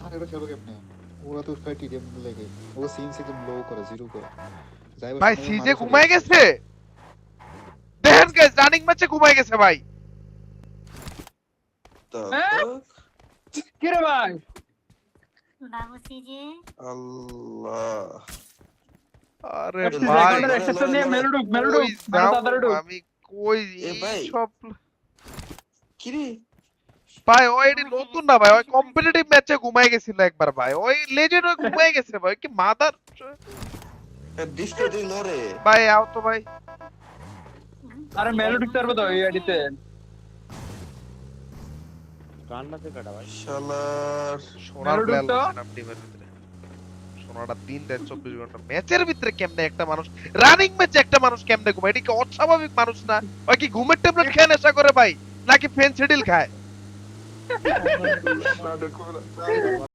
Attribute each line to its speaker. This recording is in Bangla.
Speaker 1: আর এটা খেলো কেমনে? ওরা তো খালি টিডিএম লেগে ও সিনস একদম লো করে জিরো করে যাইবার
Speaker 2: ভাই
Speaker 1: সময়
Speaker 2: সিজে
Speaker 1: মারা চলে
Speaker 2: ঘুমায়
Speaker 1: যাচ্ছে।
Speaker 2: গেছে, দেখেন গাইস রানিং ম্যাচে ঘুমায় গেছে ভাই।
Speaker 3: কি রে ভাই?
Speaker 4: বাবু সিজে
Speaker 5: আল্লাহ
Speaker 2: আরে
Speaker 3: এফসি
Speaker 2: ভাই
Speaker 3: সেকেন্ডের এক্সেপশন নিয়ে মেলুডুক
Speaker 2: কই
Speaker 3: মানে
Speaker 2: যাবো
Speaker 3: তাড়াতাড়ি ঢুক।
Speaker 2: আমি, কই
Speaker 5: এ ভাই।
Speaker 2: এই সব
Speaker 5: কিরে
Speaker 2: ভাই ওই এটি নতুন না ভাই, ওই কম্পিটিটিভ ম্যাচে ঘুমায় গেছিল একবার ভাই, ওই লেজেন্ড ওই ঘুমায় গেছে ভাই কি মাদার।
Speaker 5: ডিস্কো দিন রে
Speaker 2: ভাই আও তো ভাই,
Speaker 3: আরে মেলুডুক তারবে তো এই আইডিতে।
Speaker 6: কান্নাতে কাটা ভাই।
Speaker 5: শালার
Speaker 2: সোনার
Speaker 3: মেরুদণ্ড
Speaker 2: প্লেয়ার
Speaker 3: তো?
Speaker 2: লইছিলাম টিমের ভিতরে। সোনাটা 3 রাত 24 ঘন্টা ম্যাচের ভিতরে কেমনে একটা মানুষ, রানিং ম্যাচে একটা মানুষ কেমনে ঘুমায়, এটা কি অস্বাভাবিক মানুষ না? ওই কি ঘুমের ট্যাবলেট খেয়ে নেশা করে ভাই, নাকি ফেন্সিডিল খায়?